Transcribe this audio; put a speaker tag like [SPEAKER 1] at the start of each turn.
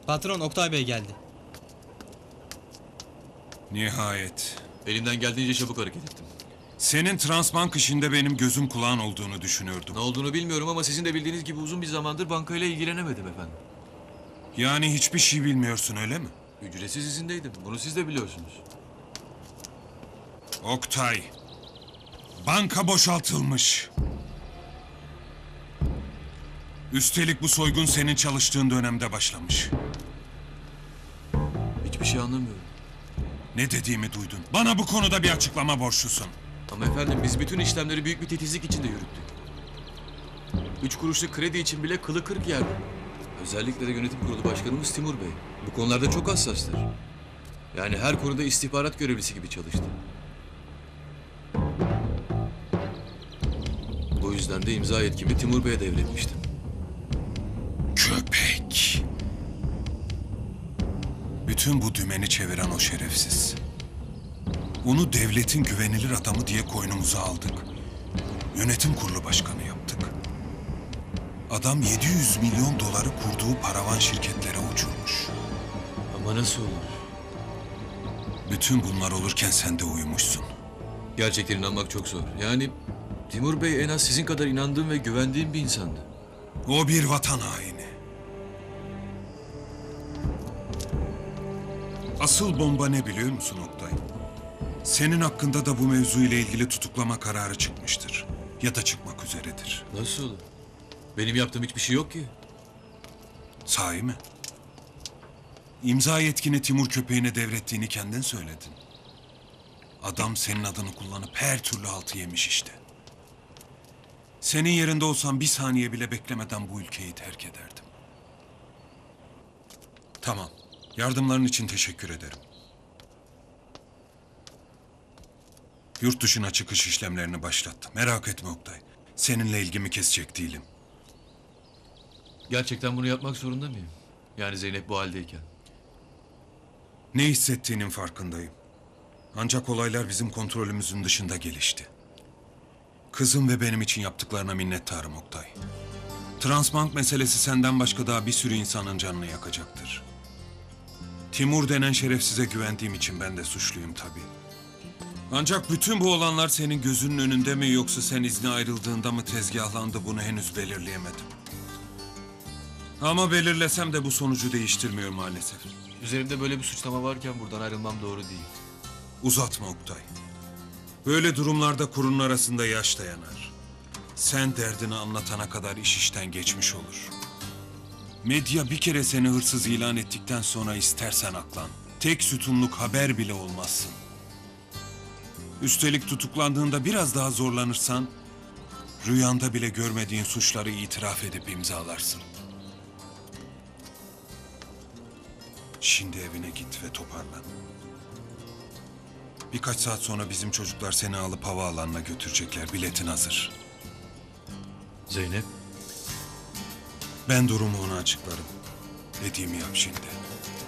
[SPEAKER 1] Patron Oktay Bey geldi.
[SPEAKER 2] Nihayet.
[SPEAKER 3] Elimden geldiğince çabuk hareket ettim.
[SPEAKER 2] Senin Transbank işinde benim gözüm kulağın olduğunu düşünüyordum.
[SPEAKER 3] Ne olduğunu bilmiyorum ama sizin de bildiğiniz gibi uzun bir zamandır bankayla ilgilenemedim efendim.
[SPEAKER 2] Yani hiçbir şey bilmiyorsun öyle mi?
[SPEAKER 3] Ücretsiz izindeydim. Bunu siz de biliyorsunuz.
[SPEAKER 2] Oktay, banka boşaltılmış. Üstelik bu soygun senin çalıştığın dönemde başlamış.
[SPEAKER 3] Hiçbir şey anlamıyorum.
[SPEAKER 2] Ne dediğimi duydun. Bana bu konuda bir açıklama borçlusun.
[SPEAKER 3] Ama efendim biz bütün işlemleri büyük bir titizlik içinde yürüttük. 3 kuruşluk kredi için bile kılı kırk yerdi. Özellikle de yönetim kurulu başkanımız Timur Bey. Bu konularda çok hassastır. Yani her konuda istihbarat görevlisi gibi çalıştı. Bu yüzden de imza yetkimi Timur Bey'e devretmiştim.
[SPEAKER 2] Köpek. Bütün bu dümeni çeviren o şerefsiz. Onu devletin güvenilir adamı diye koynumuza aldık. Yönetim kurulu başkanı yaptık. Adam 700 milyon doları kurduğu paravan şirketlere uçurmuş.
[SPEAKER 3] Ama nasıl olur?
[SPEAKER 2] Bütün bunlar olurken sen de uyumuşsun.
[SPEAKER 3] Gerçekten inanmak çok zor. Yani Timur Bey en az sizin kadar inandığım ve güvendiğim bir insandı.
[SPEAKER 2] O bir vatan haini. Asıl bomba ne biliyor musun Oktay? Senin hakkında da bu mevzu ile ilgili tutuklama kararı çıkmıştır. Ya da çıkmak üzeredir.
[SPEAKER 3] Nasıl olur? Benim yaptığım hiçbir şey yok ki.
[SPEAKER 2] Sahi mi? İmza yetkini Timur köpeğine devrettiğini kendin söyledin. Adam senin adını kullanıp her türlü haltı yemiş işte. Senin yerinde olsam bir saniye bile beklemeden bu ülkeyi terk ederdim. Tamam. Yardımların için teşekkür ederim. Yurt dışına çıkış işlemlerini başlattım. Merak etme Oktay. Seninle ilgimi kesecek değilim.
[SPEAKER 3] Gerçekten bunu yapmak zorunda mıyım? Yani Zeynep bu haldeyken.
[SPEAKER 2] Ne hissettiğinin farkındayım. Ancak olaylar bizim kontrolümüzün dışında gelişti. Kızım ve benim için yaptıklarına minnettarım Oktay. Transbank meselesi senden başka daha bir sürü insanın canını yakacaktır. Timur denen şerefsize güvendiğim için ben de suçluyum tabii. Ancak bütün bu olanlar senin gözünün önünde mi yoksa sen izne ayrıldığında mı tezgahlandı bunu henüz belirleyemedim. Ama belirlesem de bu sonucu değiştirmiyor maalesef.
[SPEAKER 3] Üzerimde böyle bir suçlama varken buradan ayrılmam doğru değil.
[SPEAKER 2] Uzatma Oktay. Böyle durumlarda kurun arasında yaş dayanar. Sen derdini anlatana kadar iş işten geçmiş olur. Medya bir kere seni hırsız ilan ettikten sonra istersen aklan. Tek sütunluk haber bile olmazsın. Üstelik tutuklandığında biraz daha zorlanırsan, rüyanda bile görmediğin suçları itiraf edip imzalarsın. Şimdi evine git ve toparlan. Birkaç saat sonra bizim çocuklar seni alıp havaalanına götürecekler. Biletin hazır.
[SPEAKER 3] Zeynep?
[SPEAKER 2] Ben durumu ona açıklarım. Dediğimi yap şimdi.